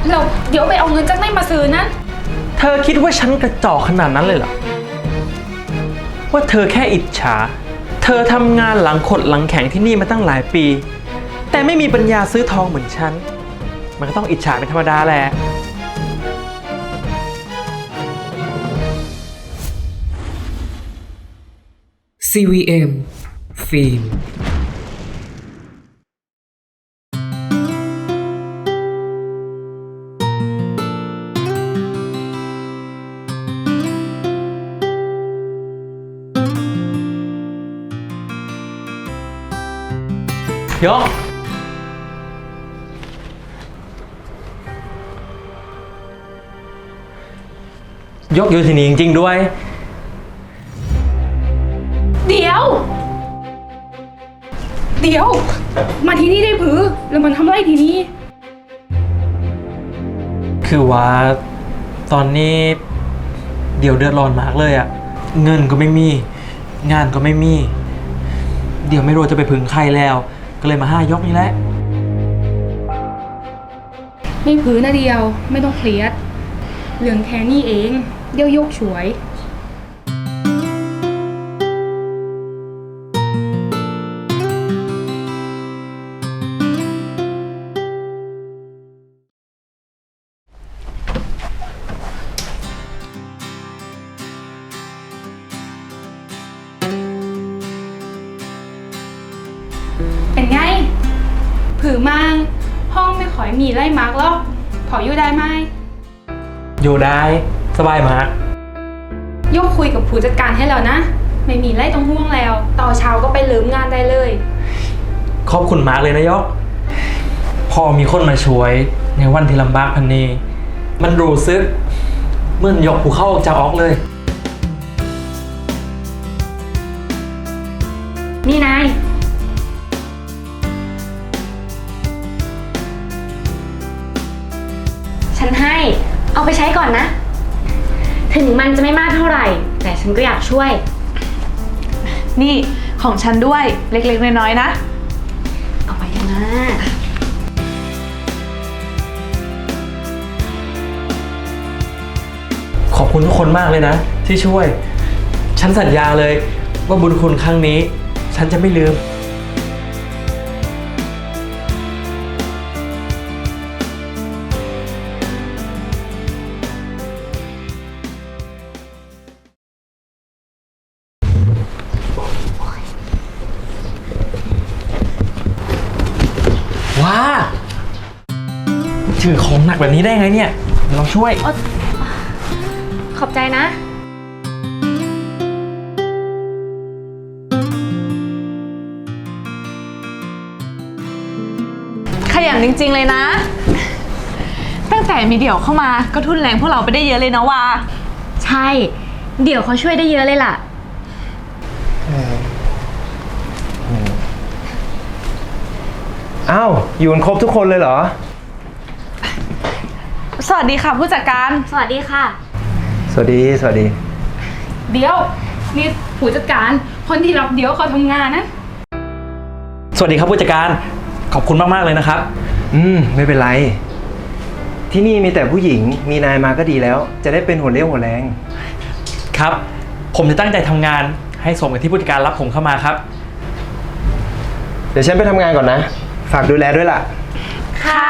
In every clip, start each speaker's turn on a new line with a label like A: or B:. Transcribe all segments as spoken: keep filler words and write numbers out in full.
A: เราเดี๋ยวไปเอาเงินจากไหนมาซื้อนั้น
B: เธอคิดว่าฉันกระจอกขนาดนั้นเลยเหรอว่าเธอแค่อิจฉาเธอทำงานหลังขดหลังแข็งที่นี่มาตั้งหลายปีแต่ไม่มีปัญญาซื้อทองเหมือนฉันมันก็ต้องอิจฉาเป็นธรรมดาแหละ
C: ซี วี เอ็ม ฟิล์ม
B: ยกยกอยู่ที่นี่จริงๆด้วย
A: เดี๋ยวเดี๋ยวมาที่นี่ได้ผือแล้วมันทำอะไรที่นี่
B: คือว่าตอนนี้เดี๋ยวเดือดร้อนมากเลยอะเงินก็ไม่มีงานก็ไม่มีเดี๋ยวไม่รู้จะไปพึ่งใครแล้วก็เลยมาห้ายกนี่แหละ
A: ไม่ผือนะเดียวไม่ต้องเครียดเรื่องแค่นี้เองเดี๋ยวยกช่วยเป็นไงผือมั่งห้องไม่ค่อยมีไล่มาร์กหรอกพออยู่ได้ไหม
B: อยู่ได้สบายมาก
A: ยกคุยกับผู้จัดการให้แล้วนะไม่มีไล่ต้องห่วงแล้วต่อเช้าก็ไปเริ่มงานได้เลย
B: ขอบคุณมากเลยนะยกพอมีคนมาช่วยในวันที่ลำบากพันนี้มันรู้สึกเหมือนยกภูเขาออกจากออกเลย
A: นี่นาย
D: ฉันให้เอาไปใช้ก่อนนะถึงมันจะไม่มากเท่าไหร่แต่ฉันก็อยากช่วย
E: นี่ของฉันด้วยเล็กๆน้อยๆนะ
D: เอาไปกันนะ
B: ขอบคุณทุกคนมากเลยนะที่ช่วยฉันสัญญาเลยว่าบุญคุณครั้งนี้ฉันจะไม่ลืมว้าถือของหนักแบบนี้ได้ไงเนี่ยลองช่วย
D: ขอบใจนะ
E: ขยันจริงๆเลยนะตั้งแต่มีเดี่ยวเข้ามาก็ทุนแรงพวกเราไปได้เยอะเลยนะวา
D: ใช่เดี๋ยวเขาช่วยได้เยอะเลยล่ะ
F: อ้าวอยู่กันครบทุกคนเลยเหรอ
E: สวัสดีค่ะผู้จัดการ
D: สวัสดีค่ะ
F: สวัสดีสวัสดี
A: เดี๋ยวนี่ผู้จัดการคนที่รับเดี๋ยวเขาทำงานนะ
B: สวัสดีครับผู้จัดการขอบคุณมากๆเลยนะครับ
F: อืมไม่เป็นไรที่นี่มีแต่ผู้หญิงมีนายมาก็ดีแล้วจะได้เป็นหัวเรี่ยวหัวแรง
B: ครับผมจะตั้งใจทำงานให้สมกับที่ผู้จัดการรับผมเข้ามาครับ
F: เดี๋ยวฉันไปทำงานก่อนนะฝากดูแลด้วยล่ะ
D: ค่ะ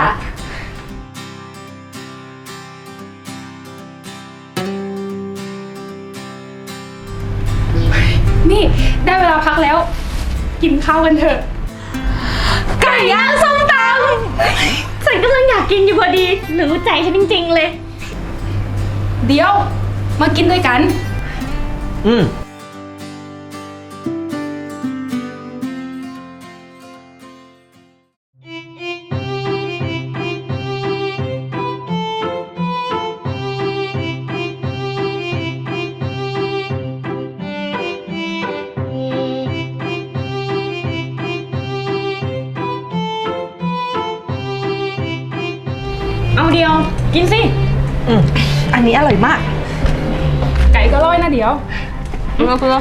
A: นี่ได้เวลาพักแล้วกินข้าวกันเถอะ
D: ไก่ย่างส้มตำฉันกำลังอยากกินอยู่พอดีรู้ใจฉันจริงๆเลย
A: เดี๋ยวมากินด้วยกัน
B: อืม
D: เอาเดียวกินสิ
E: อืมอันนี้อร่อยมาก
A: ไก่ก็อร่อยนะเดี๋ยว
E: เพื่อเพื่อ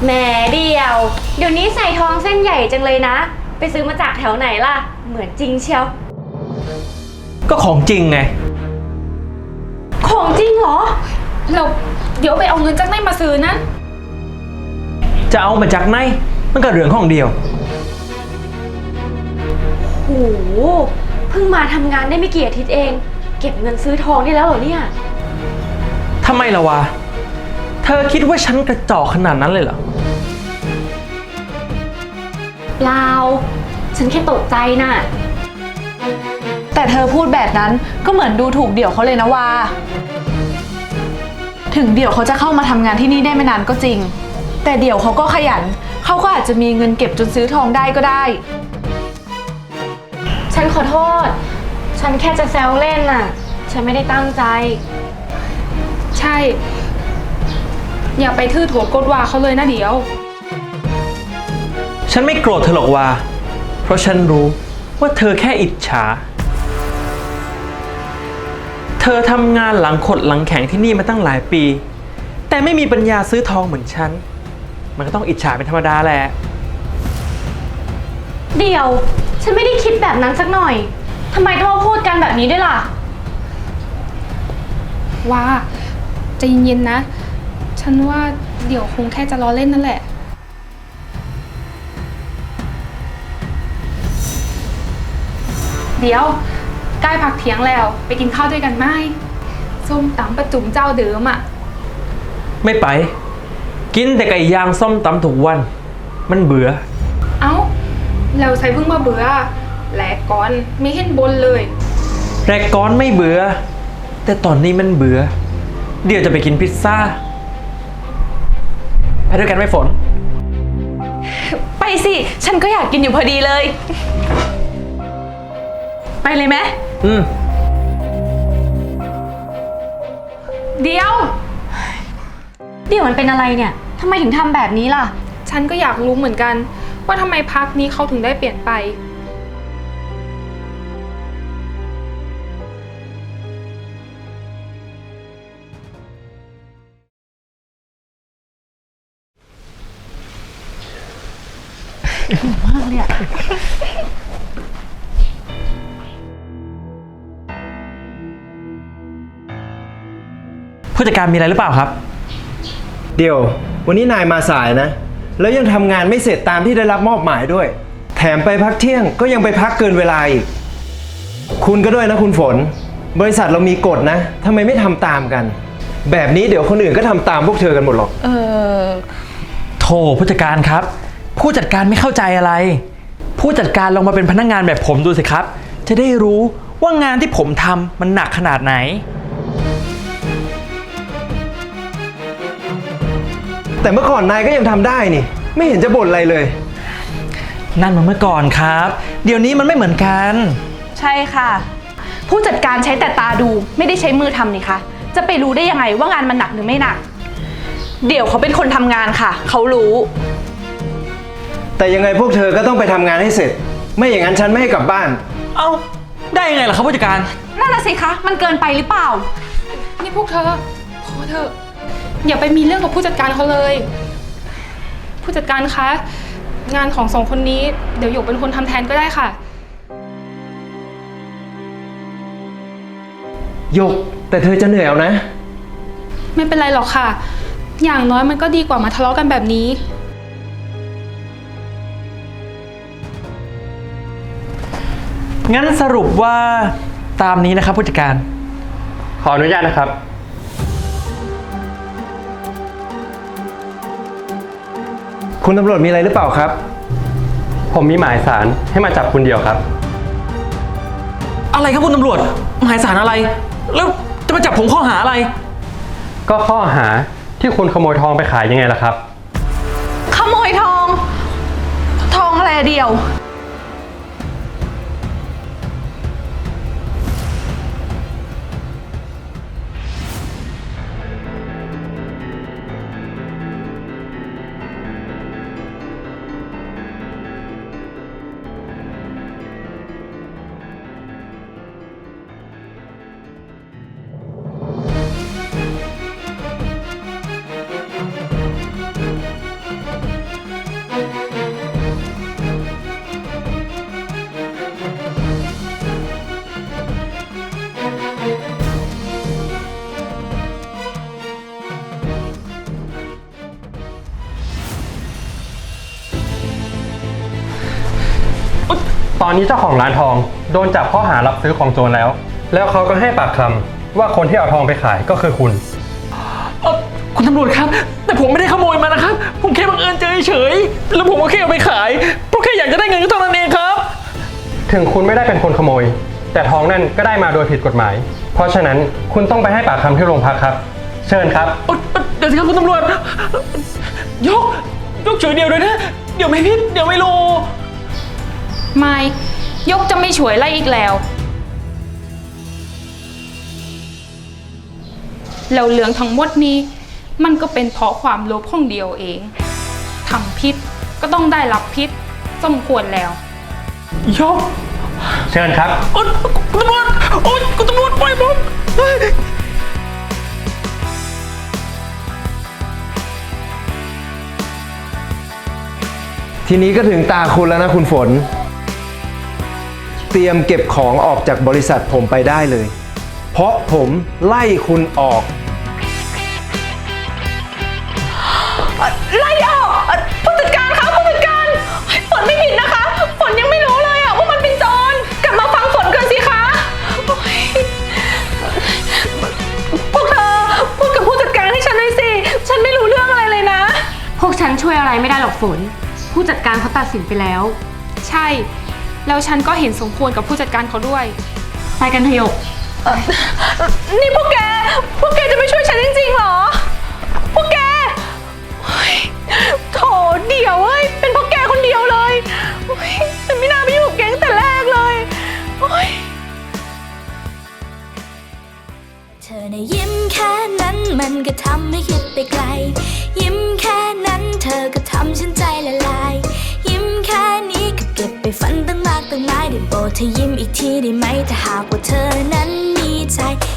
D: แหมเดียว เดี๋ยวนี้ใส่ทองเส้นใหญ่จังเลยนะ ไปซื้อมาจากแถวไหนล่ะ เหมือนจริงเชียว
B: ก็ของจริงไง
D: ของจริงเหรอ
A: เราเดี๋ยวไปเอาเงินจากไหนมาซื้อนะ
B: จะเอามาจากไหนมันก็เรื่องของเดียว
D: โห เพิ่งมาทำงานได้ไม่กี่อาทิตย์เอง เก็บเงินซื้อทองได้แล้วเหรอเนี่ย
B: ทำไมล่ะวะ เธอคิดว่าฉันกระจอกขนาดนั้นเลยเหรอ
D: เปล่า ฉันแค่ตกใจน่ะ
E: แต่เธอพูดแบบนั้นก็เหมือนดูถูกเดี่ยวเขาเลยนะวาถึงเดี่ยวเขาจะเข้ามาทำงานที่นี่ได้ไม่นานก็จริง แต่เดี่ยวเขาก็ขยัน เขาก็อาจจะมีเงินเก็บจนซื้อทองได้ก็ได้
D: ฉันขอโทษ ฉันแค่จะแซวเล่นน่ะ ฉันไม่ได้ตั้งใจ
A: ใช่ อย่าไปทื่อโถกดว่าเขาเลยนะเดี๋ยว
B: ฉันไม่โกรธเธอหรอกวาเพราะฉันรู้ว่าเธอแค่อิจฉา เธอทำงานหลังขดหลังแข็งที่นี่มาตั้งหลายปี แต่ไม่มีปัญญาซื้อทองเหมือนฉัน มันก็ต้องอิจฉาเป็นธรรมดาแหละ
D: เดี๋ยว ฉันไม่ได้คิดแบบนั้นสักหน่อย ทำไมต้องมาพูดกันแบบนี้ด้วยล่ะ
A: ว่าใจเย็นๆนะ ฉันว่าเดี๋ยวคงแค่จะล้อเล่นนั่นแหละ เดี๋ยวใกล้พักเที่ยงแล้วไปกินข้าวด้วยกันไหมส้มตำประจุมเจ้าเดิมอะ
B: ไม่ไป กินแต่ไก่ย่างส้มตำทุกวัน มันเบื่อ
A: เอ้าเราใส่เพิ่งมาเบื่อแหลกก่อนไม่เห็นบนเลย
B: แรกก้อนไม่เบื่อ แต่ตอนนี้มันเบื่อ เดี๋ยวจะไปกินพิซซ่า ไปด้วยกันไหมฝน
E: ไปสิ ฉันก็อยากกินอยู่พอดีเลย ไปเลยไหม
B: อืม
A: เดี๋ยว
D: เดี๋ยวมันเป็นอะไรเนี่ย ทำไมถึงทำแบบนี้ล่ะ
A: ฉันก็อยากรู้เหมือนกัน ว่าทำไมพักนี้เขาถึงได้เปลี่ยนไป
B: ผู้จัดการมีอะไรหรือเปล่าครับ
F: เดี๋ยว วันนี้นายมาสายนะ แล้วยังทำงานไม่เสร็จตามที่ได้รับมอบหมายด้วย แถมไปพักเที่ยงก็ยังไปพักเกินเวลาอีก คุณก็ด้วยนะคุณฝน บริษัทเรามีกฎนะทำไมไม่ทำตามกัน แบบนี้เดี๋ยวคนอื่นก็ทำตามพวกเธอกันหมดหรอก
E: เออ
B: โถผู้จัดการครับ ผู้จัดการไม่เข้าใจอะไร ผู้จัดการลองมาเป็นพนักงานแบบผมดูสิครับ จะได้รู้ว่างานที่ผมทำมันหนักขนาดไหน
F: แต่เมื่อก่อนนายก็ยังทำได้นี่ ไม่เห็นจะบ่นอะไรเลย
B: นั่นมันเมื่อก่อนครับ เดี๋ยวนี้มันไม่เหมือนกัน
E: ใช่ค่ะ ผู้จัดการใช้แต่ตาดูไม่ได้ใช้มือทำนี่คะจะไปรู้ได้ยังไงว่างานมันหนักหรือไม่หนัก เดี๋ยวเขาเป็นคนทำงานค่ะ เขารู้
F: แต่ยังไงพวกเธอก็ต้องไปทำงานให้เสร็จ ไม่อย่างนั้นฉันไม่ให้กลับบ้าน
B: เอ้า ได้ยังไงล่ะครับผู้จัดการ
E: นั่นน่ะสิคะ มันเกินไปหรือเปล่า
A: นี่พวกเธอ พอเถอะ อย่าไปมีเรื่องกับผู้จัดการเขาเลย ผู้จัดการคะ งานของสองคนนี้เดี๋ยวหยกเป็นคนทำแทนก็ได้ค่ะ
F: ยก แต่เธอจะเหนื่อยเอานะ
A: ไม่เป็นไรหรอกค่ะ อย่างน้อยมันก็ดีกว่ามาทะเลาะกันแบบนี้
B: งั้นสรุปว่าตามนี้นะครับผู้จัดการ
G: ขออนุญาตนะครับ
F: คุณตำรวจมีอะไรหรือเปล่าครับ
G: ผมมีหมายสารให้มาจับคุณเดียวครับ
B: อะไรครับคุณตำรวจ หมายสารอะไร แล้วจะมาจับผมข้อหาอะไร
G: ก็ข้อหาที่คุณขโมยทองไปขายยังไงล่ะครับ
E: ขโมยทอง ทองอะไรอะเดียว
G: ตอนนี้เจ้าของร้านทองโดนจับข้อหารับซื้อของโจรแล้ว แล้วเขาก็ให้ปากคำว่าคนที่เอาทองไปขายก็คือคุณ
B: เอ่อคุณตำรวจครับ แต่ผมไม่ได้ขโมยมานะครับ ผมแค่บังเอิญเจอเฉยๆแล้วผมก็แค่เอาไปขายเพราะแค่อยากจะได้เงินเท่านั้นเองครับ
G: ถึงคุณไม่ได้เป็นคนขโมย แต่ทองนั่นก็ได้มาโดยผิดกฎหมาย เพราะฉะนั้นคุณต้องไปให้ปากคำที่โรงพักครับ เชิญครับ
B: เอ่อเอ่อเดี๋ยวสิครับคุณตำรวจ ยก ยกเฉยเดียวเลยนะ เดี๋ยวไม่พิษเดี๋ยวไม่รู้
A: ไม่ยกจะไม่ช่วยไล่อีกแล้วแล้วเรื่องทั้งหมดนี้มันก็เป็นเพราะความโลภของเดียวเองทำพิษก็ต้องได้รับพิษสมควรแล้ว
B: ยก
G: เชิญครับ
B: โอ๊ยคุณตำรวจโอ๊ยคุณตำรวจปล่อยผมเฮ้ย
F: ทีนี้ก็ถึงตาคุณแล้วนะคุณฝน เตรียมเก็บของออกจากบริษัทผมไปได้เลย เพราะผมไล่คุณออก
E: ไล่ออกเอ่อผู้จัดการคะผู้จัดการฝนไม่ผิดนะคะ ฝนยังไม่รู้เลยอะว่ามันเป็นโจรกลับมาฟังฝนกันสิคะโอ๊ยพวกเธอพูดกับผู้จัดการให้ฉันหน่อยสิ ฉันไม่รู้เรื่องอะไรเลยนะ
D: พวกฉันช่วยอะไรไม่ได้หรอกฝน ผู้จัดการเขาตัดสินไปแล้ว
A: ใช่ แล้วฉันก็เห็นสมควรกับผู้จัดการเขาด้วย
D: ไปกันเถอะหยก
E: นี่พวกแก พวกแกจะไม่ช่วยฉันจริงๆเหรอ พวกแกเฮ้ยโถเดี๋ยวเอ้ย เป็นพวกแกคนเดียวเลยโอ๊ยฉันไม่น่าไปอยู่กับแกตั้งแต่แรกเลยโอ๊ย
H: เธอในะยิ้มแค่นั้นมันก็ทำให้คิดไปไกล ยิ้มแค่นั้นเธอก็ทำฉันใจละลาย ยิ้มแค่นี้ก็เก็บไปฝันตั้งมากตั้งหลายได้โปรดเธอยิ้มอีกทีได้ไหมถ้าหากว่าเธอนั้นมีใจ